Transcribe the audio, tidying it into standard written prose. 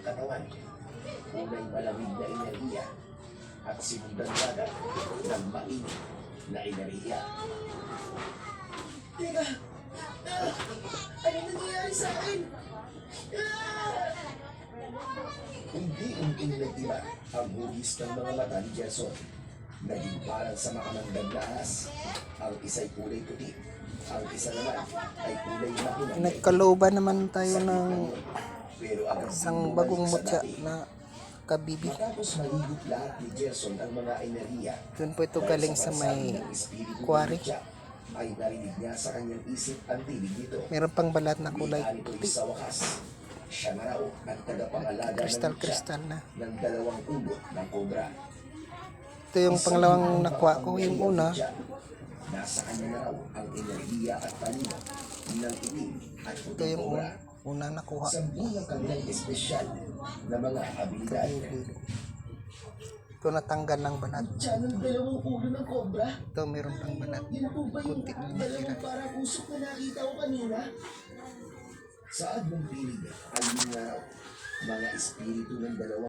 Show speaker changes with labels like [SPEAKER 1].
[SPEAKER 1] katawan. Unay malamig na enerhiya at sinundan agad ng mainit na enerhiya.
[SPEAKER 2] Teka! Ano nangyayari sa akin?
[SPEAKER 1] Unti-unting nag-iba ang hugis ng mga mata ni Gerson. Naging parang sa makamanggang lahas. Ang isa'y kulay puti. Ang isa naman ay kulay mahinang.
[SPEAKER 3] Nagkalooban naman tayo ng
[SPEAKER 1] Pero agad
[SPEAKER 3] isang
[SPEAKER 1] bumalik
[SPEAKER 3] bagong
[SPEAKER 1] sa
[SPEAKER 3] mutya
[SPEAKER 1] dati.
[SPEAKER 3] na kabibi.
[SPEAKER 1] Matapos malibot lahat ni Gerson ang mga enerhiya,
[SPEAKER 3] Doon po ito galing sa may quarry.
[SPEAKER 1] ay narinig niya sa kanyang isip ang tinig nito.
[SPEAKER 3] Meron pang balat na kulay
[SPEAKER 1] Kulay
[SPEAKER 3] puti.
[SPEAKER 1] sa wakas. Siya na raw ang tagapangalaga
[SPEAKER 3] Kristal na.
[SPEAKER 1] ng dalawang ulo ng kobra.
[SPEAKER 3] Ito yung pangalawang nakuha ko. Yung una,
[SPEAKER 1] Nasa kanya na raw ang enerhiya at talino ng itim at
[SPEAKER 3] ito
[SPEAKER 1] puting
[SPEAKER 3] yung
[SPEAKER 1] kobra.
[SPEAKER 3] una nakuha.
[SPEAKER 1] Sa buong kanyang espesyal na mga abilidad.
[SPEAKER 3] Ito natanggal ng balat.
[SPEAKER 2] Diyan ang dalawang ulo ng cobra.
[SPEAKER 3] Ito meron pang balat.
[SPEAKER 2] Yan po ba yung
[SPEAKER 3] Kunti lang
[SPEAKER 2] dalawang
[SPEAKER 3] natira.
[SPEAKER 2] parang usok na nakita ko kanina?
[SPEAKER 1] Sa admong pilig ay yun nga raw, mga espiritu ng dalawang